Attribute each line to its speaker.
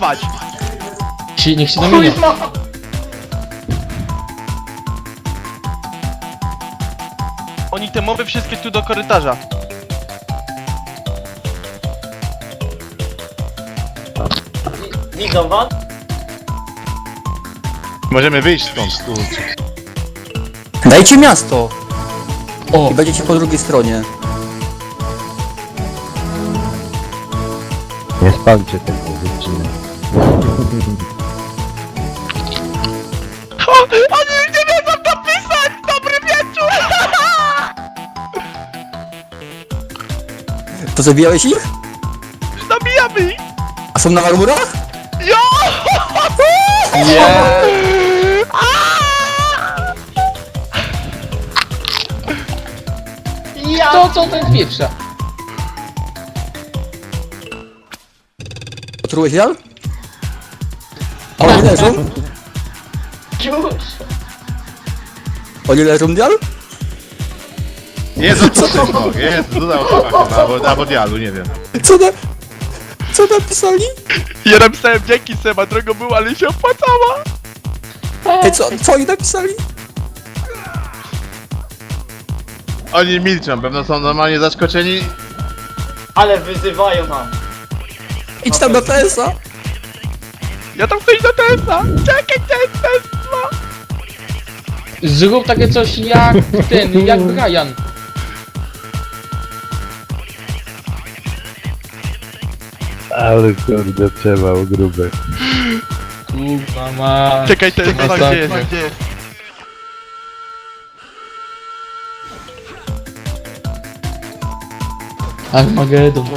Speaker 1: dominować!
Speaker 2: Niech się dominie.
Speaker 1: Oni te moby wszystkie tu do korytarza.
Speaker 3: Widzą was?
Speaker 4: Możemy wyjść stąd, kurczę.
Speaker 5: Dajcie miasto!
Speaker 2: O,
Speaker 5: I będziecie po drugiej stronie.
Speaker 6: Nie spalcie tego dziewczyny.
Speaker 1: Oni już nie wiedzą napisać! Dobry wieczór!
Speaker 5: To zabijałeś ich?
Speaker 1: Zabijamy ich!
Speaker 5: A są na marmurach?
Speaker 1: Jo!
Speaker 2: nie! To co ten pieprza?
Speaker 5: Otrułeś Jan? A oni leżą?
Speaker 3: Już!
Speaker 5: Oni leżą, Jan?
Speaker 4: Jezu, co ty? O, Jezu, dodał chyba, albo dialu, nie wiem.
Speaker 5: Co napisali?
Speaker 1: Ja napisałem dzięki Seba, drogo było, ale się opłacała!
Speaker 5: Ej, co oni napisali?
Speaker 4: Oni milczą, pewno są normalnie zaskoczeni.
Speaker 3: Ale wyzywają nam.
Speaker 5: Idź tam na TS-a!
Speaker 1: Ja tam chcę iść do TS-a! Czekaj, Tesla!
Speaker 2: Zrób takie coś jak ten, jak Brian.
Speaker 6: Ale kurde, przewał gruby.
Speaker 2: Kurwa ma.
Speaker 1: Czekaj, Tesla,
Speaker 2: Masakra.
Speaker 1: gdzie jest? Gdzie jest?
Speaker 2: Armagedon.